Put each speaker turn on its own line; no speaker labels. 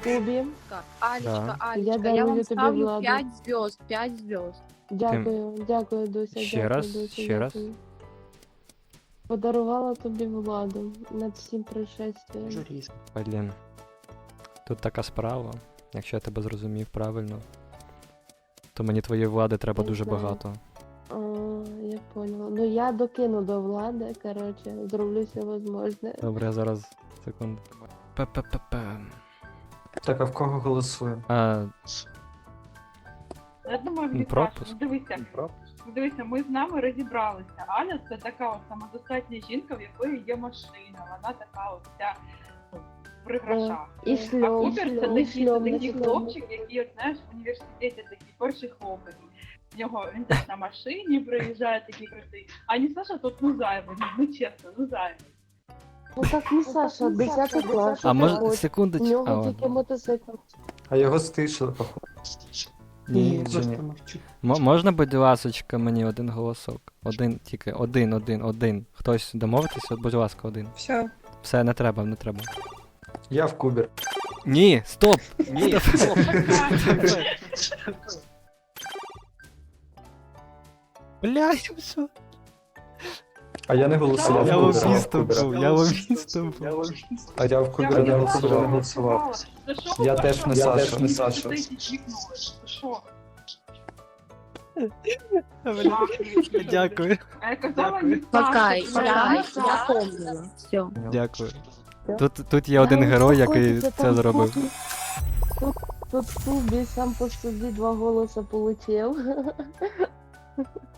Кубі.
Алечка,
Я
Алечка, я
дарую
вам
тобі
ставлю
владу.
5 звезд, 5 звезд.
Дякую, Дуся.
Ще
дякую,
раз,
Дуся,
ще раз.
дякую. Подарувала тобі владу над всім пришестям.
Журіст.
Блін. Тут така справа. Якщо я тебе зрозумів правильно, то мені твоєї влади треба
Не
дуже
знаю.
багато.
А, я поняла. Ну я докину до влади, короче, зроблю все возможне.
Добре, я зараз. Секунду. П-п-п-п.
Так, а в кого голосує?
Я думаю, Віташ,
пропуск.
дивися, ми з нами розібралися. Аля це така от самодостатня жінка, в якої є машина. Вона така от вся при грошах.
І
А
шльом,
Купер це
шльом,
такий
шльом.
хлопчик, який, от, знаєш, в університеті такий перший хлопець. Він теж на машині приїжджає такий крутий. А не Саша тут ну зайвий, ну чесно, ну зайвий.
Ну так не Саша, 10 клас.
А може,
У
секундочку.
нього
А,
тільки мотоцикл.
А його стишили, походу.
Ні,
просто
ні.
мовчу.
Можна, будь ласочка, мені один голосок? Один, тільки один. Хтось домовитися, от, будь ласка, один.
Все.
Все, не треба, не треба.
Я в Кубер.
Ні, стоп!
Ні,
Блядь, що?
А я не голосував.
Я
в Кубера,
лобістом
в Кубера.
був, я лобістом був.
А я в Кубера не голосував.
За що ви
Я теж не
перша
Саша.
була?
Не Саша.
Ви вікнули. За що?
Дякую.
А я казала, не Саша.
Пока,
ти
я помнила. Все.
Дякую. Тут є один герой, який це зробив.
Тут Кубі сам по собі 2 голоса получив.